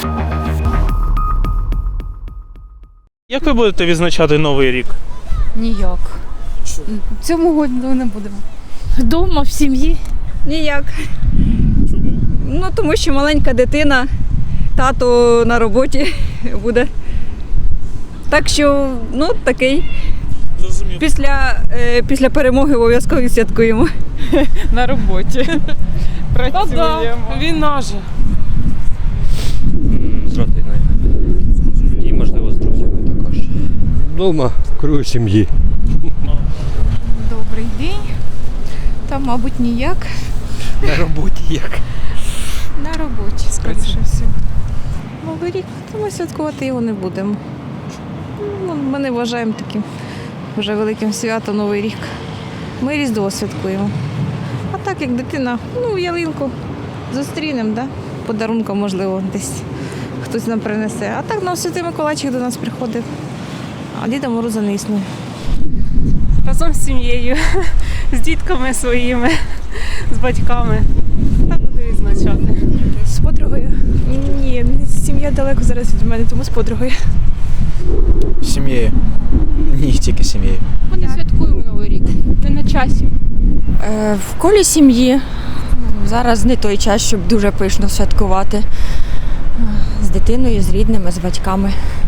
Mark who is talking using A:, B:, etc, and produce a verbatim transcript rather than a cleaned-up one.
A: Як ви будете відзначати Новий рік?
B: Ніяк. Цьому году не будемо.
C: Дома, в сім'ї.
D: Ніяк.
A: Чому?
D: Ну, тому що маленька дитина, тато на роботі буде. Так що, ну, такий.
A: Зрозуміло.
D: Після, е, після перемоги обов'язково святкуємо.
B: На роботі. Працюємо.
E: Війна же.
F: З родиною. І, можливо, з друзями також.
G: Дома, в кругу сім'ї.
B: Добрий день. Та, мабуть, ніяк.
F: На роботі як?
B: На роботі, скоріше всього. Новий рік, то ми святкувати його не будемо. Ну, Ми не вважаємо таким вже великим святом Новий рік. Ми Різдво святкуємо. А так, як дитина, ну, ялинку зустрінемо, да? Подарунком, можливо, десь хтось нам принесе. А так, ну, Святий Миколайчик до нас приходить, а Діда Мороза не існує.
E: Разом з сім'єю, з дітками своїми, з батьками. Так буду відзначати.
H: З подругою? Ні, сім'я далеко зараз від мене, тому з подругою.
I: З сім'єю. Ні, тільки з сім'єю.
C: Ми не святкуємо Новий рік. Не на часі.
J: Е, в колі сім'ї. Зараз не той час, щоб дуже пишно святкувати. З дитиною, з рідними, з батьками.